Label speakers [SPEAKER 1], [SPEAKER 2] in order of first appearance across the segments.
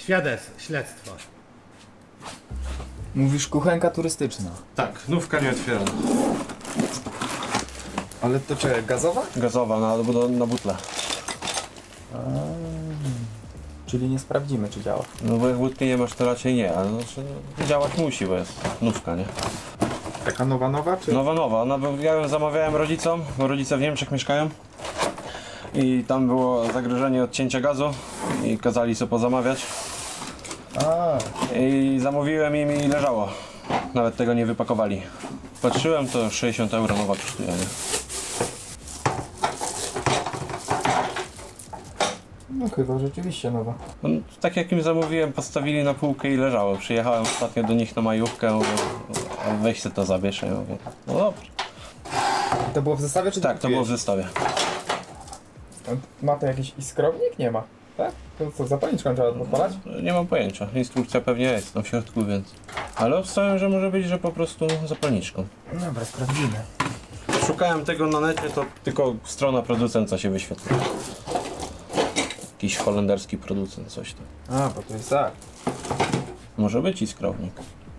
[SPEAKER 1] śledztwa.
[SPEAKER 2] Mówisz kuchenka turystyczna.
[SPEAKER 3] Tak, nówka nie otwierana.
[SPEAKER 2] Ale to czy gazowa?
[SPEAKER 3] Gazowa na butle.
[SPEAKER 2] Czyli nie sprawdzimy, czy działa.
[SPEAKER 3] No bo jak wódki nie masz, to raczej nie, ale działać musi, bo jest nówka, nie?
[SPEAKER 2] Taka nowa, czy?
[SPEAKER 3] Nowa. Ja ją zamawiałem rodzicom, bo rodzice w Niemczech mieszkają. I tam było zagrożenie odcięcia gazu i kazali sobie pozamawiać. I zamówiłem im i leżało. Nawet tego nie wypakowali. Patrzyłem, to 60 euro nowa kosztuje, nie?
[SPEAKER 2] No chyba rzeczywiście nowa.
[SPEAKER 3] No, tak jak im zamówiłem, postawili na półkę i leżało. Przyjechałem ostatnio do nich na majówkę, mówię, a weź se to zabierz. Ja mówię, no dobrze.
[SPEAKER 2] To było w zestawie, czy
[SPEAKER 3] Tak, to było w zestawie.
[SPEAKER 2] Ma to jakiś iskrownik? Nie ma. Tak? To co, zapalniczką trzeba odpalać?
[SPEAKER 3] Nie mam pojęcia. Instrukcja pewnie jest tam w środku, więc... Ale obstawiam, że może być, że po prostu zapalniczką.
[SPEAKER 2] Dobra, sprawdzimy.
[SPEAKER 3] Szukałem tego na necie, to tylko strona producenta się wyświetla. Jakiś holenderski producent, coś tam.
[SPEAKER 2] Bo to jest tak.
[SPEAKER 3] Może być i skrownik.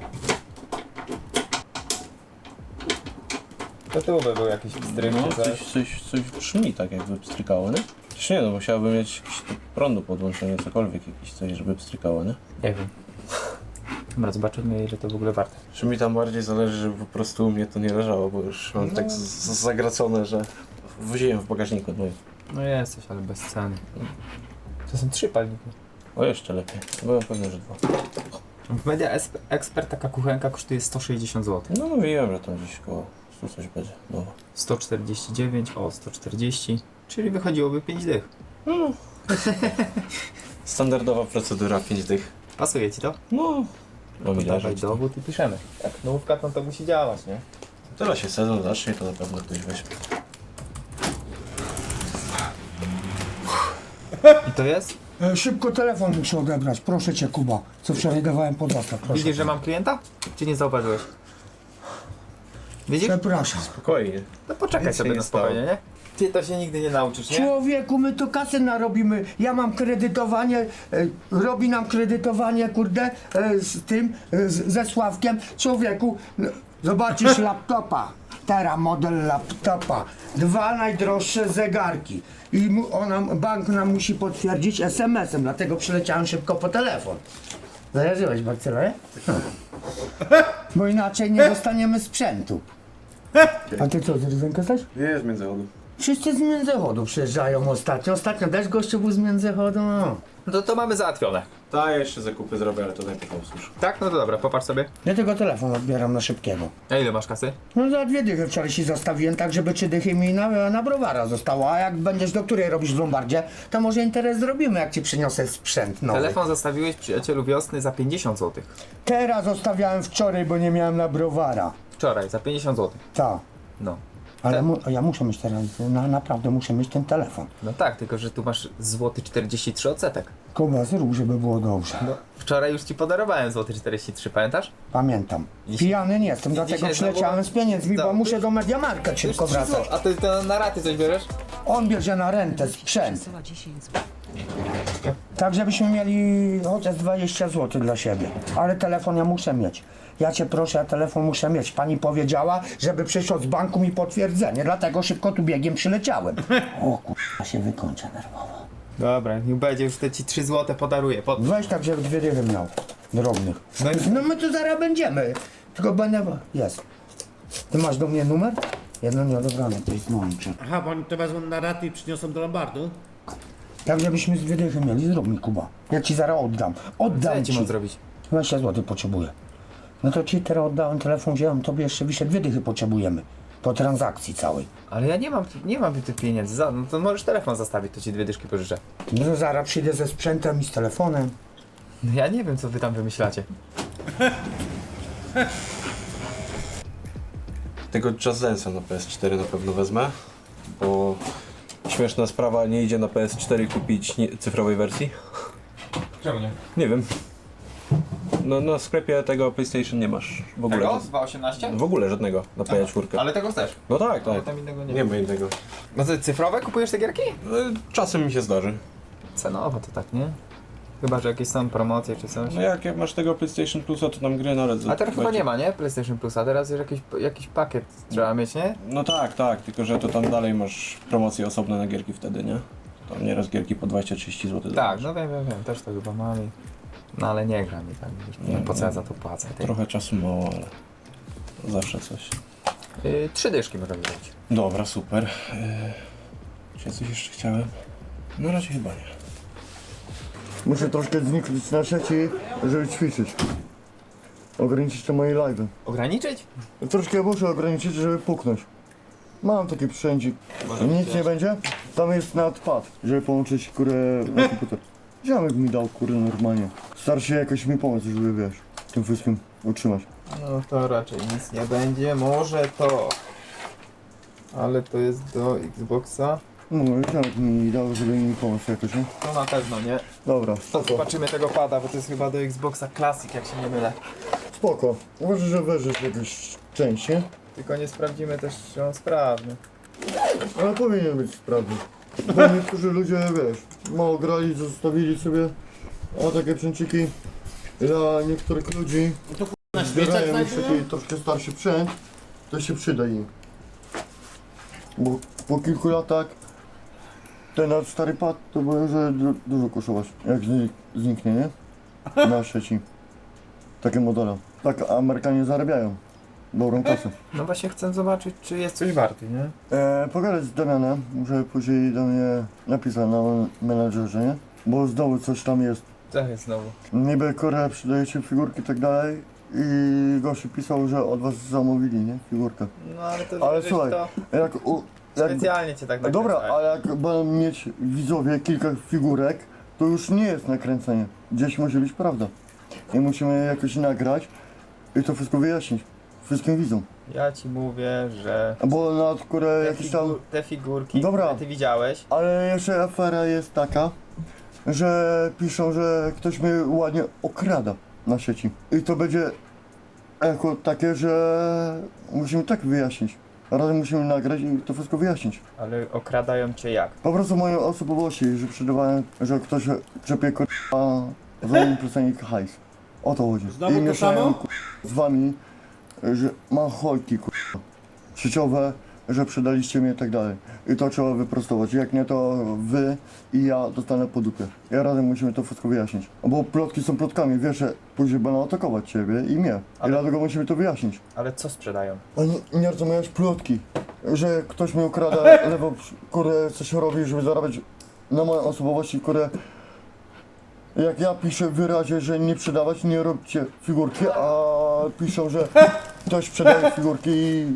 [SPEAKER 2] To tu by był jakiś pstryk,
[SPEAKER 3] No,
[SPEAKER 2] czy coś.
[SPEAKER 3] coś brzmi tak, jakby pstrykało, nie? Przecież nie, no musiałbym mieć jakiś prądu podłączenie, cokolwiek, jakieś coś, żeby pstrykało, nie?
[SPEAKER 2] Nie wiem. Dobra, zobaczymy, ile to w ogóle warte.
[SPEAKER 3] Czy mi tam bardziej zależy, żeby po prostu u mnie to nie leżało, bo już mam tak zagracone, że woziłem w bagażniku.
[SPEAKER 2] No jesteś, ale bez ceny. To są 3 palniki.
[SPEAKER 3] O, jeszcze lepiej. Byłem pewny, że 2.
[SPEAKER 2] W Media Expert taka kuchenka kosztuje 160 zł.
[SPEAKER 3] No mówiłem, że tam gdzieś koło 100 coś będzie. No.
[SPEAKER 2] 149, 140, czyli wychodziłoby 5 dych.
[SPEAKER 3] Standardowa procedura, 5 dych.
[SPEAKER 2] Pasuje ci to?
[SPEAKER 3] No,
[SPEAKER 2] To
[SPEAKER 3] mi
[SPEAKER 2] dawaj
[SPEAKER 3] leżeć.
[SPEAKER 2] dowód i piszemy. Jak nówka, to musi działać, nie?
[SPEAKER 3] Teraz się sezon zacznie, to na pewno ktoś weźmie.
[SPEAKER 2] I to jest?
[SPEAKER 1] Szybko telefon muszę odebrać, proszę cię Kuba, co wczoraj dawałem pod dostaw, proszę.
[SPEAKER 2] Widzisz, że mam klienta? Czy nie zauważyłeś? Widzisz?
[SPEAKER 1] Przepraszam.
[SPEAKER 3] Spokojnie.
[SPEAKER 2] No poczekaj
[SPEAKER 3] Nic się
[SPEAKER 2] sobie
[SPEAKER 3] nie
[SPEAKER 2] na spokojnie, nie? Ty to się nigdy nie nauczysz, nie?
[SPEAKER 1] Człowieku, my to kasę narobimy, ja mam kredytowanie, robi nam kredytowanie, kurde, z tym, ze Sławkiem. Człowieku, no, zobaczysz laptopa, teraz model laptopa, 2 najdroższe zegarki i bank nam musi potwierdzić SMS-em, dlatego przyleciałem szybko po telefon. Zajarzyłeś, Marcelo, nie? Bo inaczej nie dostaniemy sprzętu. A ty co, z Rydzenka jesteś?
[SPEAKER 3] Nie jest międzychodu.
[SPEAKER 1] Wszyscy z Międzychodu przyjeżdżają ostatnio. Ostatnio też gościu był z Międzychodu. No.
[SPEAKER 2] No to mamy załatwione.
[SPEAKER 3] Tak, jeszcze zakupy zrobię, ale to najpierw usłyszę.
[SPEAKER 2] Tak? No to dobra, popatrz sobie.
[SPEAKER 1] Ja tylko telefon odbieram na szybkiego.
[SPEAKER 2] A ile masz kasy?
[SPEAKER 1] No za 2 dychy wczoraj się zostawiłem, tak żeby 3 dychy mi na browara zostało. A jak będziesz do której robisz w Lombardzie, to może interes zrobimy, jak ci przyniosę sprzęt nowy.
[SPEAKER 2] Telefon zostawiłeś przyjacielu wiosny za 50 zł.
[SPEAKER 1] Teraz zostawiałem wczoraj, bo nie miałem na browara.
[SPEAKER 2] Wczoraj, za 50 zł.
[SPEAKER 1] Tak.
[SPEAKER 2] No.
[SPEAKER 1] Ale ja muszę mieć teraz, naprawdę muszę mieć ten telefon.
[SPEAKER 2] No tak, tylko że tu masz złoty 43 odsetek.
[SPEAKER 1] Kuba, zrób, żeby było dobrze.
[SPEAKER 2] No, wczoraj już ci podarowałem złoty 43, pamiętasz?
[SPEAKER 1] Pamiętam.
[SPEAKER 2] Dzisiaj-
[SPEAKER 1] Pijany nie jestem, dlatego
[SPEAKER 2] dzisiaj
[SPEAKER 1] przyleciałem z pieniędzmi, bo
[SPEAKER 2] No,
[SPEAKER 1] muszę do Mediamarkt szybko
[SPEAKER 2] Już 3
[SPEAKER 1] wracać.
[SPEAKER 2] zł. A ty to na raty coś bierzesz?
[SPEAKER 1] On bierze na rentę sprzęt.
[SPEAKER 4] Przesyła 10 zł.
[SPEAKER 1] Tak, żebyśmy mieli chociaż 20 zł dla siebie. Ale telefon ja muszę mieć. Ja cię proszę, ja telefon muszę mieć. Pani powiedziała, żeby przyszło z banku mi potwierdzenie, dlatego szybko tu biegiem przyleciałem. O kurwa, się wykończę nerwowo.
[SPEAKER 2] Dobra, niech będzie, już te ci 3 zł podaruję.
[SPEAKER 1] Weź tak, żeby 2 dychy miał. Drobnych.
[SPEAKER 2] No i-
[SPEAKER 1] No my tu zaraz będziemy. Tylko będę... Jest. Ty masz do mnie numer? Jedno nieodebrane, to jest mącze.
[SPEAKER 5] Aha, bo oni to wezmą na raty i przyniosą do Lombardu?
[SPEAKER 1] Tak, żebyśmy z 2 dychy mieli. Zrób mi, Kuba. Ja ci zaraz oddam.
[SPEAKER 2] Co
[SPEAKER 1] Oddam
[SPEAKER 2] ja ci
[SPEAKER 1] ci.
[SPEAKER 2] mam zrobić?
[SPEAKER 1] 20 zł potrzebuję. No to ci teraz oddałem telefon, wziąłem, tobie jeszcze wyszedł 2 dychy potrzebujemy. Po transakcji całej.
[SPEAKER 2] Ale ja nie mam tych pieniędzy. No to możesz telefon zostawić, to ci 2 dyszki pożyczę.
[SPEAKER 1] No to zaraz przyjdę ze sprzętem i z telefonem.
[SPEAKER 2] No ja nie wiem, co wy tam wymyślacie.
[SPEAKER 3] Tego Just Dance'a na PS4 na pewno wezmę, bo śmieszna sprawa, nie idzie na PS4 kupić cyfrowej wersji.
[SPEAKER 2] Czemu nie?
[SPEAKER 3] Nie wiem. No na sklepie tego PlayStation nie masz w ogóle.
[SPEAKER 2] Tego? 2.18?
[SPEAKER 3] W ogóle żadnego na PS4.
[SPEAKER 2] Ale tego chcesz?
[SPEAKER 3] No tak,
[SPEAKER 2] Ale
[SPEAKER 3] tak.
[SPEAKER 2] tam innego nie
[SPEAKER 3] Nie
[SPEAKER 2] ma.
[SPEAKER 3] ma innego.
[SPEAKER 2] No to cyfrowe kupujesz te gierki?
[SPEAKER 3] Czasem mi się zdarzy.
[SPEAKER 2] Cenowo to tak, nie? Chyba, że jakieś są promocje czy coś.
[SPEAKER 3] No jak masz tego PlayStation Plusa, to tam gry nawet
[SPEAKER 2] A teraz chyba nie ma, nie? PlayStation Plusa, teraz już jakiś pakiet trzeba mieć, nie?
[SPEAKER 3] No tak, tylko że to tam dalej masz promocje osobne na gierki wtedy, nie? Tam nieraz gierki po 20-30 zł.
[SPEAKER 2] Tak, no wiem, też to chyba mam i... No ale nie gram i tak, już nie wiem po co ja za to płacę. Ty.
[SPEAKER 3] Trochę czasu mało, ale zawsze coś.
[SPEAKER 2] 3 dyszki możemy zrobić.
[SPEAKER 3] Dobra, super. Czy ja coś jeszcze chciałem? Na razie chyba nie.
[SPEAKER 4] Muszę troszkę zniknąć na sieci, żeby ćwiczyć. Ograniczyć te moje live'y.
[SPEAKER 2] Ograniczyć?
[SPEAKER 4] Troszkę muszę ograniczyć, żeby puknąć. Mam taki sprzęcik. Nic nie będzie? Tam jest nadpad, żeby połączyć kurę na komputer. Ziomek mi dał kurę normalnie. Star się jakoś mi pomóc, żeby wiesz, tym wszystkim utrzymać.
[SPEAKER 2] No to raczej nic nie będzie, może to. Ale to jest do Xboxa.
[SPEAKER 4] No, ziomek mi dał, żeby mi pomóc jakoś, nie?
[SPEAKER 2] To na pewno nie.
[SPEAKER 4] Dobra, spoko.
[SPEAKER 2] Zobaczymy tego pada, bo to jest chyba do Xboxa Classic, jak się nie mylę.
[SPEAKER 4] Spoko. Może, że weźesz jakąś część, nie?
[SPEAKER 2] Tylko nie sprawdzimy też, czy on sprawny.
[SPEAKER 4] Ale powinien być sprawny. Bo niektórzy ludzie, wiesz, mało grali, zostawili sobie, a takie przęciki dla niektórych ludzi
[SPEAKER 5] Na świecach
[SPEAKER 4] zbierają już
[SPEAKER 5] znajdują?
[SPEAKER 4] taki troszkę starszy sprzęt, to się przyda im. Bo po kilku latach ten stary pad to może dużo kosztować, jak zniknie, nie? Na sieci. Takie modele. Tak Amerykanie zarabiają. Dobrą kasę.
[SPEAKER 2] No właśnie chcę zobaczyć, czy jest coś warty, nie?
[SPEAKER 4] Pogadać z Damianem, może później do mnie napisać na menadżerze, nie? Bo znowu coś tam jest.
[SPEAKER 2] Co jest znowu?
[SPEAKER 4] Niby Korea przydajecie figurki i tak dalej i gościu pisał, że od was zamówili, nie? Figurkę.
[SPEAKER 2] No ale to
[SPEAKER 4] Ale
[SPEAKER 2] żeś
[SPEAKER 4] słuchaj,
[SPEAKER 2] to
[SPEAKER 4] jak
[SPEAKER 2] specjalnie cię tak
[SPEAKER 4] dobra,
[SPEAKER 2] nakręcają.
[SPEAKER 4] ale jak będą mieć widzowie kilka figurek, to już nie jest nakręcenie. Gdzieś musi być prawda. I musimy jakoś nagrać i to wszystko wyjaśnić. Wszystkim widzom.
[SPEAKER 2] Ja ci mówię, że
[SPEAKER 4] Bo na które jakieś tam...
[SPEAKER 2] te figurki,
[SPEAKER 4] Dobra.
[SPEAKER 2] które ty widziałeś,
[SPEAKER 4] Ale jeszcze afera jest taka, że piszą, że ktoś mnie ładnie okrada na sieci. I to będzie jako takie, że musimy tak wyjaśnić. Razem musimy nagrać i to wszystko wyjaśnić.
[SPEAKER 2] ale okradają cię jak?
[SPEAKER 4] Po prostu moje osobowości, że przydawałem, że ktoś czepie k***a za nim plecenie hajs. O to chodzi.
[SPEAKER 5] Znowu
[SPEAKER 4] I
[SPEAKER 5] to
[SPEAKER 4] mieszają
[SPEAKER 5] samo?
[SPEAKER 4] k***a, z wami, że mam hojki k***a, sieciowe, że przydaliście mnie i tak dalej. I to trzeba wyprostować. Jak nie, to wy i ja dostanę po dupie. I razem musimy to wszystko wyjaśnić. Bo plotki są plotkami, wiesz, że później będą atakować ciebie i mnie.
[SPEAKER 2] Ale-
[SPEAKER 4] I dlatego musimy to wyjaśnić.
[SPEAKER 2] Ale co sprzedają?
[SPEAKER 4] A nie rozumiesz plotki, że ktoś mi ukrada lewo, które coś robi, żeby zarabiać na mojej osobowości, które jak ja piszę w wyrazie, że nie sprzedawać, nie róbcie figurki, a piszą, że ktoś sprzedaje figurki i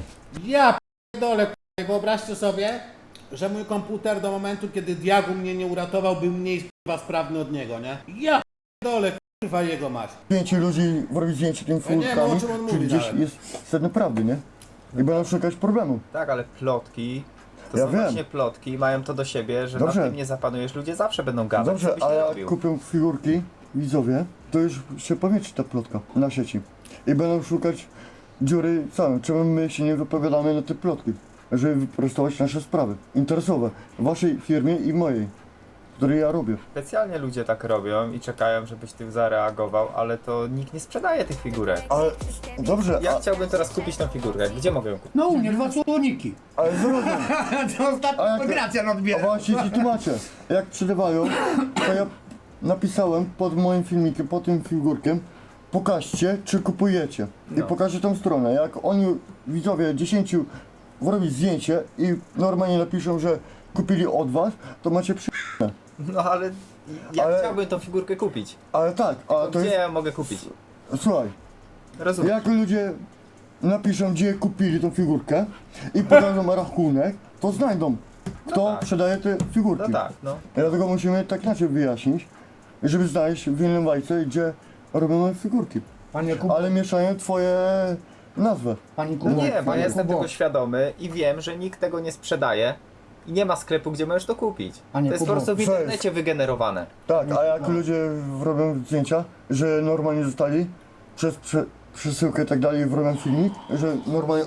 [SPEAKER 5] Ja p***dolę, k***a. Wyobraźcie sobie, że mój komputer do momentu, kiedy diagu mnie nie uratował, był mniej k***a sprawny od niego, nie? Ja p***dolę, k***a jego mać.
[SPEAKER 4] 5 ludzi robi zdjęcie tymi
[SPEAKER 5] Ja nie wiem,
[SPEAKER 4] figurkami,
[SPEAKER 5] o czym on
[SPEAKER 4] czyli
[SPEAKER 5] mówi
[SPEAKER 4] gdzieś
[SPEAKER 5] nawet.
[SPEAKER 4] jest sedno prawdy, nie? I będą szukać problemu.
[SPEAKER 2] Tak, ale plotki, to
[SPEAKER 4] Ja
[SPEAKER 2] są
[SPEAKER 4] wiem.
[SPEAKER 2] właśnie plotki, mają to do siebie, że
[SPEAKER 4] Dobrze.
[SPEAKER 2] na tym nie zapanujesz, ludzie zawsze będą gadać, co
[SPEAKER 4] Dobrze,
[SPEAKER 2] byś
[SPEAKER 4] ale
[SPEAKER 2] nie
[SPEAKER 4] jak
[SPEAKER 2] robił.
[SPEAKER 4] kupią figurki widzowie, to już się pomieści ta plotka na sieci. I będą szukać dziury całe. Czemu my się nie wypowiadamy na te plotki? Żeby wyprostować nasze sprawy interesowe. W waszej firmie i mojej, której ja robię.
[SPEAKER 2] Specjalnie ludzie tak robią i czekają, żebyś ty zareagował, ale to nikt nie sprzedaje tych figurek.
[SPEAKER 4] Ale dobrze,
[SPEAKER 2] Ja chciałbym teraz kupić tą figurkę, gdzie mogę ją kupić?
[SPEAKER 1] No u mnie 2 słoniki.
[SPEAKER 4] ale zrozum.
[SPEAKER 1] To
[SPEAKER 4] A
[SPEAKER 1] ostatnio
[SPEAKER 4] jak-
[SPEAKER 1] Gracjan
[SPEAKER 4] A
[SPEAKER 1] odbiera.
[SPEAKER 4] właśnie ci tłumaczę. Jak przydawają, to ja napisałem pod moim filmikiem, pod tym figurkiem, pokażcie, czy kupujecie. I
[SPEAKER 2] No.
[SPEAKER 4] pokażę tą stronę. Jak oni, widzowie, 10 robić zdjęcie i normalnie napiszą, że kupili od was, to macie przy...
[SPEAKER 2] No ale ja
[SPEAKER 4] Ale-
[SPEAKER 2] chciałbym tą figurkę kupić.
[SPEAKER 4] Ale tak, a to
[SPEAKER 2] Gdzie
[SPEAKER 4] jest...
[SPEAKER 2] ja mogę kupić?
[SPEAKER 4] Słuchaj,
[SPEAKER 2] Rozumiem.
[SPEAKER 4] jak ludzie napiszą, gdzie kupili tą figurkę i pokażą rachunek, to znajdą, kto
[SPEAKER 2] tak.
[SPEAKER 4] sprzedaje te figurki.
[SPEAKER 2] No tak, no.
[SPEAKER 4] Dlatego musimy tak inaczej wyjaśnić, żeby znaleźć w innym bajce, gdzie robimy figurki.
[SPEAKER 1] Panie Kubo,
[SPEAKER 4] Ale mieszają twoje nazwy.
[SPEAKER 1] Pani
[SPEAKER 2] No
[SPEAKER 1] Kubo,
[SPEAKER 2] nie, bo ja
[SPEAKER 1] panie
[SPEAKER 2] jestem
[SPEAKER 1] Kubo.
[SPEAKER 2] tego świadomy i wiem, że nikt tego nie sprzedaje i nie ma sklepu, gdzie możesz to kupić.
[SPEAKER 1] Panie
[SPEAKER 2] To jest po
[SPEAKER 1] Kubo,
[SPEAKER 2] prostu w
[SPEAKER 4] co jest?
[SPEAKER 2] internecie wygenerowane.
[SPEAKER 4] Tak, a jak ludzie robią zdjęcia, że normalnie zostali przez przesyłkę i tak dalej, robią filmik, że normalnie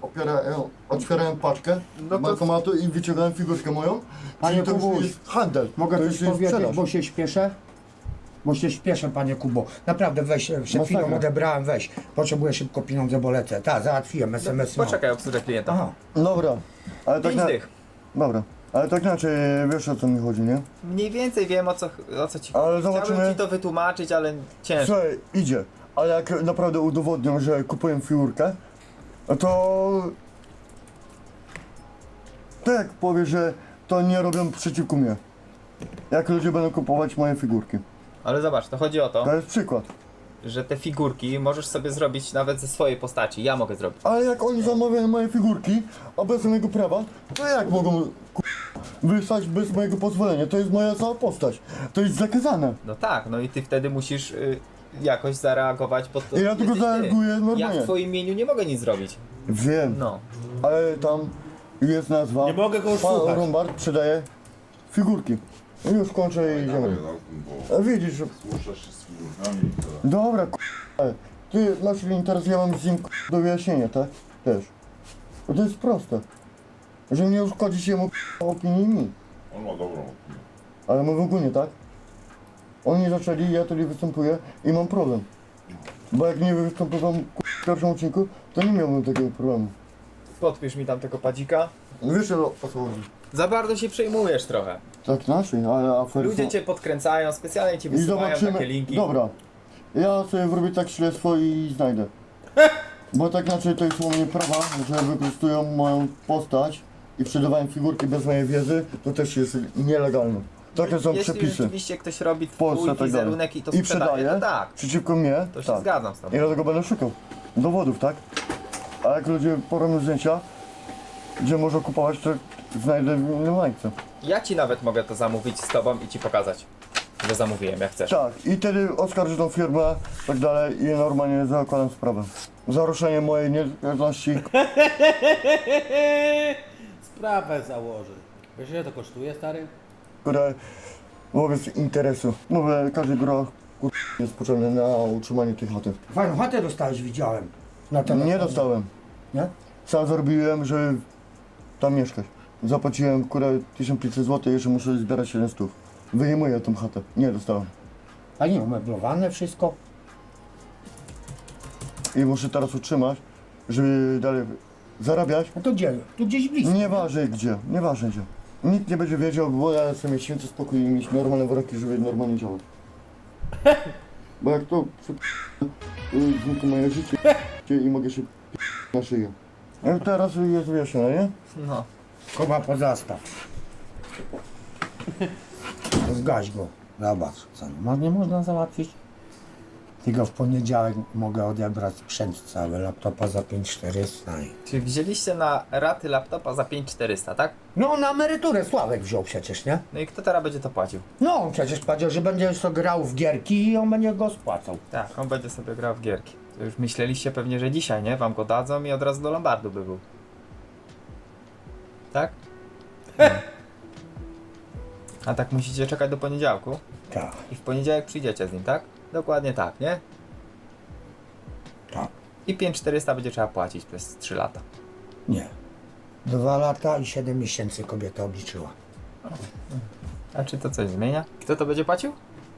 [SPEAKER 4] otwierają paczkę
[SPEAKER 2] No to-
[SPEAKER 4] bankomatu i wyciągają figurkę moją,
[SPEAKER 1] Panie
[SPEAKER 4] czyli to już
[SPEAKER 1] Kubuś,
[SPEAKER 4] jest handel,
[SPEAKER 1] mogę
[SPEAKER 4] to
[SPEAKER 1] coś
[SPEAKER 4] już jest
[SPEAKER 1] powiedzieć,
[SPEAKER 4] sprzedaż.
[SPEAKER 1] bo się śpieszę? bo się śpieszę, panie Kubo. Naprawdę weź, przed chwilą
[SPEAKER 4] Masakra.
[SPEAKER 1] odebrałem, weź. Potrzebuję szybko pieniądze, bo lecę. Tak, załatwiłem SMS. mam.
[SPEAKER 2] Poczekaj, obsługę klienta.
[SPEAKER 1] Aha,
[SPEAKER 4] Dobra, ale tak
[SPEAKER 2] 5
[SPEAKER 4] na...
[SPEAKER 2] dych.
[SPEAKER 4] Dobra, ale tak inaczej, wiesz o co mi chodzi, nie?
[SPEAKER 2] Mniej więcej wiem o co ci
[SPEAKER 4] Ale
[SPEAKER 2] Chciałbym
[SPEAKER 4] zobaczymy.
[SPEAKER 2] ci to wytłumaczyć, ale ciężko.
[SPEAKER 4] Słuchaj, idzie, ale jak naprawdę udowodnią, że kupuję figurkę, no to... Tak powie, że to nie robią przeciwko mnie. Jak ludzie będą kupować moje figurki.
[SPEAKER 2] Ale zobacz, to chodzi o to,
[SPEAKER 4] To jest przykład.
[SPEAKER 2] że te figurki możesz sobie zrobić nawet ze swojej postaci. Ja mogę zrobić.
[SPEAKER 4] Ale jak oni zamawiają moje figurki, a bez mojego prawa, to jak mogą wysłać bez mojego pozwolenia? To jest moja cała postać. To jest zakazane.
[SPEAKER 2] No tak, no i ty wtedy musisz jakoś zareagować, bo to
[SPEAKER 4] I ja tylko
[SPEAKER 2] jesteś ty.
[SPEAKER 4] zareaguję
[SPEAKER 2] Ja
[SPEAKER 4] normalnie.
[SPEAKER 2] w twoim imieniu nie mogę nic zrobić.
[SPEAKER 4] Wiem,
[SPEAKER 2] No.
[SPEAKER 4] ale tam jest nazwa.
[SPEAKER 5] Nie mogę go już
[SPEAKER 4] Pan
[SPEAKER 5] słuchać.
[SPEAKER 4] Lombard sprzedaje figurki. I już kończę i idziemy. A widzisz, że...
[SPEAKER 6] Słuchasz się z figurkami i to...
[SPEAKER 4] Dobra, ty masz link, teraz ja mam z nim do wyjaśnienia, tak? Też. Bo to jest proste. Że nie uszkodzić jemu opinii mi.
[SPEAKER 6] On ma dobrą opinię.
[SPEAKER 4] Ale my w ogóle nie, tak? Oni zaczęli, ja tutaj występuję i mam problem. Bo jak nie występowałem w pierwszym odcinku, to nie miałbym takiego problemu.
[SPEAKER 2] Podpisz mi tam tego padzika.
[SPEAKER 4] Wiesz o co chodzi?
[SPEAKER 2] Za bardzo się przejmujesz trochę.
[SPEAKER 4] Tak inaczej, ale afery
[SPEAKER 2] Ludzie
[SPEAKER 4] są...
[SPEAKER 2] cię podkręcają, specjalnie ci
[SPEAKER 4] I
[SPEAKER 2] wysyłają
[SPEAKER 4] zobaczymy...
[SPEAKER 2] takie linki.
[SPEAKER 4] Dobra. Ja sobie wrobię tak śledztwo i znajdę. Bo tak inaczej to jest u mnie prawa, że wykorzystują moją postać i sprzedawają figurki bez mojej wiedzy, to też jest nielegalne. Takie są
[SPEAKER 2] Jeśli
[SPEAKER 4] przepisy.
[SPEAKER 2] rzeczywiście ktoś robi
[SPEAKER 4] Polsce
[SPEAKER 2] twój
[SPEAKER 4] tak dalej.
[SPEAKER 2] wizerunek i to
[SPEAKER 4] I
[SPEAKER 2] sprzedaje,
[SPEAKER 4] sprzedaje
[SPEAKER 2] to tak,
[SPEAKER 4] przeciwko mnie,
[SPEAKER 2] to się
[SPEAKER 4] tak.
[SPEAKER 2] zgadzam z tobą.
[SPEAKER 4] I dlatego będę szukał dowodów, tak? A jak ludzie porobią zdjęcia, gdzie można kupować, to znajdę w innym lajce.
[SPEAKER 2] Ja ci nawet mogę to zamówić z tobą i ci pokazać, że zamówiłem, jak chcesz.
[SPEAKER 4] Tak, i wtedy oskarżę tą firmę, tak dalej i normalnie zakładam sprawę. Za ruszenie mojej niezależności.
[SPEAKER 5] Sprawę założy. Wiesz ile to kosztuje, stary?
[SPEAKER 4] Które wobec interesu. Mówię, każdy groch jest potrzebny na utrzymanie tej chaty.
[SPEAKER 1] fajną chatę dostałeś, widziałem. Na telefonie.
[SPEAKER 4] Nie dostałem.
[SPEAKER 1] Nie?
[SPEAKER 4] Sam zarobiłem, żeby tam mieszkać. Zapłaciłem 1500 zł, jeszcze muszę zbierać 700. Wyjmuję tą chatę. Nie dostałem.
[SPEAKER 1] A nie, umeblowane wszystko.
[SPEAKER 4] I muszę teraz utrzymać, żeby dalej zarabiać.
[SPEAKER 1] No to gdzie? Tu gdzieś blisko.
[SPEAKER 4] Nieważne gdzie, nieważne gdzie. Nikt nie będzie wiedział, bo ja chcę mieć święty spokój i mieć normalne warunki, żeby normalnie działać. Bo jak to zniknie moje życie i mogę się na szyję. No teraz jest wyjaśnione, nie?
[SPEAKER 2] No.
[SPEAKER 1] Kuba, pozastaw. Zgaś go. Zobacz, co nie można załatwić. Tylko w poniedziałek mogę odebrać sprzęt cały, laptopa za 5400.
[SPEAKER 2] Czyli wzięliście na raty laptopa za 5400, tak?
[SPEAKER 1] No na emeryturę Sławek wziął przecież, nie?
[SPEAKER 2] No i kto teraz będzie to płacił?
[SPEAKER 1] No on przecież powiedział, że będzie sobie grał w gierki i on będzie go spłacał.
[SPEAKER 2] Tak, on będzie sobie grał w gierki. To już myśleliście pewnie, że dzisiaj, nie? Wam go dadzą i od razu do Lombardu by był. Tak? No. A tak musicie czekać do poniedziałku
[SPEAKER 1] Tak,
[SPEAKER 2] i w poniedziałek przyjdziecie z nim, tak? Dokładnie tak, nie?
[SPEAKER 1] tak.
[SPEAKER 2] I 5400 będzie trzeba płacić przez 3 lata.
[SPEAKER 1] Nie. 2 lata i 7 miesięcy kobieta obliczyła.
[SPEAKER 2] A czy to coś zmienia? Kto to będzie płacił?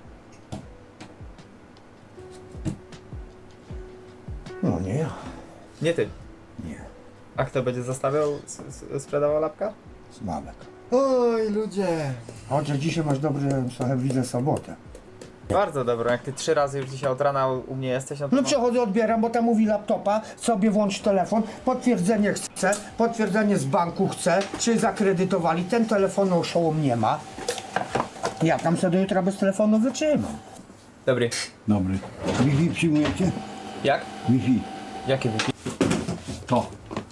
[SPEAKER 1] No nie ja.
[SPEAKER 2] Nie ty.
[SPEAKER 1] Nie.
[SPEAKER 2] A kto będzie zostawiał, sprzedawał lapka?
[SPEAKER 1] Sławek.
[SPEAKER 2] Oj, ludzie.
[SPEAKER 1] Chociaż dzisiaj masz dobry, trochę widzę sobotę.
[SPEAKER 2] Bardzo dobro, jak ty 3 razy już dzisiaj od rana u mnie jesteś, no to
[SPEAKER 1] No przechodzę, odbieram, bo tam mówi laptopa, sobie włącz telefon, potwierdzenie chce, potwierdzenie z banku chce, czy zakredytowali, ten telefon oszołom nie ma. Ja tam sobie do jutra bez telefonu wytrzymam.
[SPEAKER 2] Dobry.
[SPEAKER 7] Dobry. Wi-Fi przyjmujecie?
[SPEAKER 2] Jak?
[SPEAKER 7] Wi-Fi.
[SPEAKER 2] Jakie wypi...
[SPEAKER 7] To.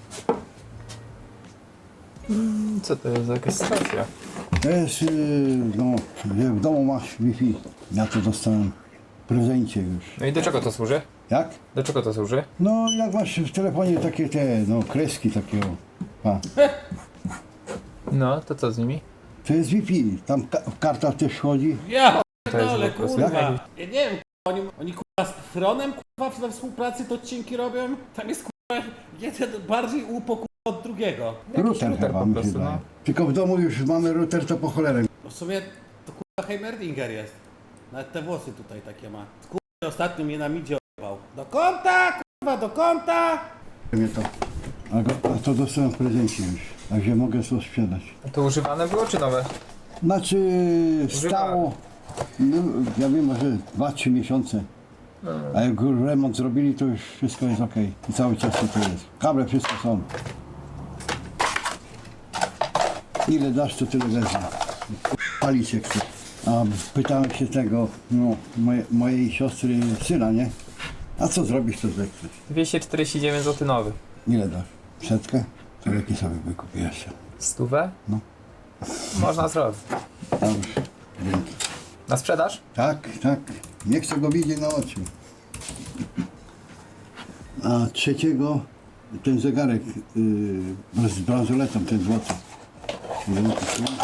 [SPEAKER 2] Co to jest za jakaś stacja?
[SPEAKER 7] To jest, no, że w domu masz Wi-Fi. Ja to dostałem w prezencie już.
[SPEAKER 2] No i do czego to służy?
[SPEAKER 7] Jak?
[SPEAKER 2] Do czego to służy?
[SPEAKER 7] No, jak masz w telefonie takie te, no, kreski takie, o. A.
[SPEAKER 2] No, to co z nimi?
[SPEAKER 7] To jest Wi-Fi. Tam karta też chodzi.
[SPEAKER 5] Ja
[SPEAKER 2] To jest
[SPEAKER 5] dole,
[SPEAKER 2] po prostu
[SPEAKER 5] kurwa.
[SPEAKER 2] jakiś-
[SPEAKER 5] Ja nie wiem, oni kurwa z Fronem kurwa we współpracy to odcinki robią. Tam jest kurwa jeden bardziej upo kurwa od drugiego.
[SPEAKER 7] Router
[SPEAKER 2] router
[SPEAKER 7] chyba
[SPEAKER 2] po
[SPEAKER 7] mi się
[SPEAKER 2] prostu,
[SPEAKER 7] daje.
[SPEAKER 2] no.
[SPEAKER 7] Tylko w domu już mamy router, to po cholerę.
[SPEAKER 5] No w sumie to kurwa Heimerdinger jest. Nawet te włosy tutaj takie ma. Kurwa, ostatnio mnie na midzie o***ał. Do kąta, kurwa, do kąta!
[SPEAKER 7] Mnie to. A to dostałem w prezencie już, także mogę to sprzedać.
[SPEAKER 2] To używane było czy nowe?
[SPEAKER 7] Znaczy stało, no, ja wiem, że 2-3 miesiące. A jak już remont zrobili, to już wszystko jest ok. I cały czas to jest. Kable wszystko są. Ile dasz, to tyle wezmę. Palić się chce. A pytałem się tego, no, mojej siostry syna, nie? A co zrobisz, to zechcesz.
[SPEAKER 2] 249 zł nowy.
[SPEAKER 7] Ile dasz? 100? To jaki sobie wykupię jeszcze?
[SPEAKER 2] 100?
[SPEAKER 7] No.
[SPEAKER 2] Można zrobić.
[SPEAKER 7] Dobrze, dzięki.
[SPEAKER 2] Na sprzedaż?
[SPEAKER 7] Tak, tak. Nie chcę go widzieć na oczy. A trzeciego ten zegarek z bransoletą, ten złoty. Ile on kosztuje?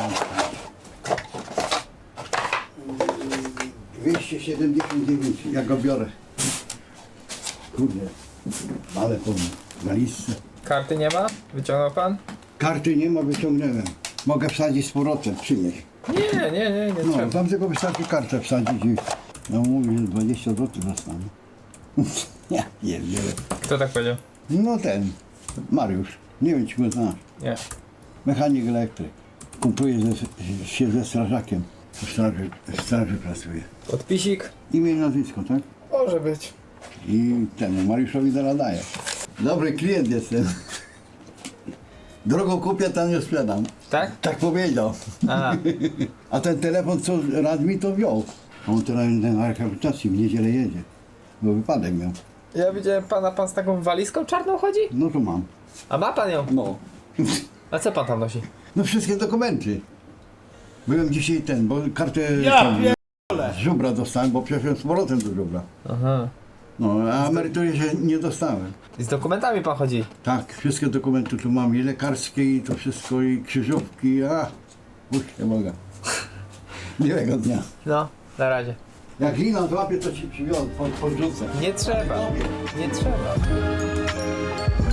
[SPEAKER 7] 279, ja go biorę. Kurde, ale po walizce.
[SPEAKER 2] Karty nie ma? Wyciągnął pan?
[SPEAKER 7] Karty nie ma, wyciągnąłem. Mogę wsadzić z powrotem, przynieść.
[SPEAKER 2] Nie
[SPEAKER 7] No,
[SPEAKER 2] trzeba.
[SPEAKER 7] tam tylko wystarczy kartę wsadzić i no mówi, że 20 zł dostanę. Ja nie wiem.
[SPEAKER 2] Kto tak powiedział?
[SPEAKER 7] No ten, Mariusz, nie wiem czy go znasz.
[SPEAKER 2] Nie.
[SPEAKER 7] Mechanik elektryk. Kumpluje się ze strażakiem. W straży pracuje.
[SPEAKER 2] Podpisik?
[SPEAKER 7] Imię i nazwisko, tak?
[SPEAKER 2] Może być.
[SPEAKER 7] I temu Mariuszowi zaraz daję. Dobry klient jestem. Drogo kupię, tam nie sprzedam.
[SPEAKER 2] Tak?
[SPEAKER 7] Tak powiedział.
[SPEAKER 2] A,
[SPEAKER 7] A ten telefon, co radł mi, to wziął. A on teraz na rehabilitacji w niedzielę jedzie. Bo wypadek miał.
[SPEAKER 2] ja widziałem pana, pan z taką walizką czarną chodzi?
[SPEAKER 7] No to mam.
[SPEAKER 2] A ma pan ją?
[SPEAKER 7] No.
[SPEAKER 2] A co pan tam nosi?
[SPEAKER 7] No wszystkie dokumenty. Byłem dzisiaj bo kartę
[SPEAKER 5] Ja
[SPEAKER 7] tam,
[SPEAKER 5] pierdolę!
[SPEAKER 7] z żubra dostałem, bo przeszedłem z powrotem do żubra.
[SPEAKER 2] Aha.
[SPEAKER 7] No, a emerytury się nie dostałem.
[SPEAKER 2] I z dokumentami pan chodzi?
[SPEAKER 7] Tak, wszystkie dokumenty tu mam, i lekarskie, i to wszystko, i krzyżówki, nie mogę. Miłego dnia.
[SPEAKER 2] No, na razie.
[SPEAKER 7] Jak lina złapie, to ci przywiozę, podrzucę.
[SPEAKER 2] Nie trzeba. Nie trzeba.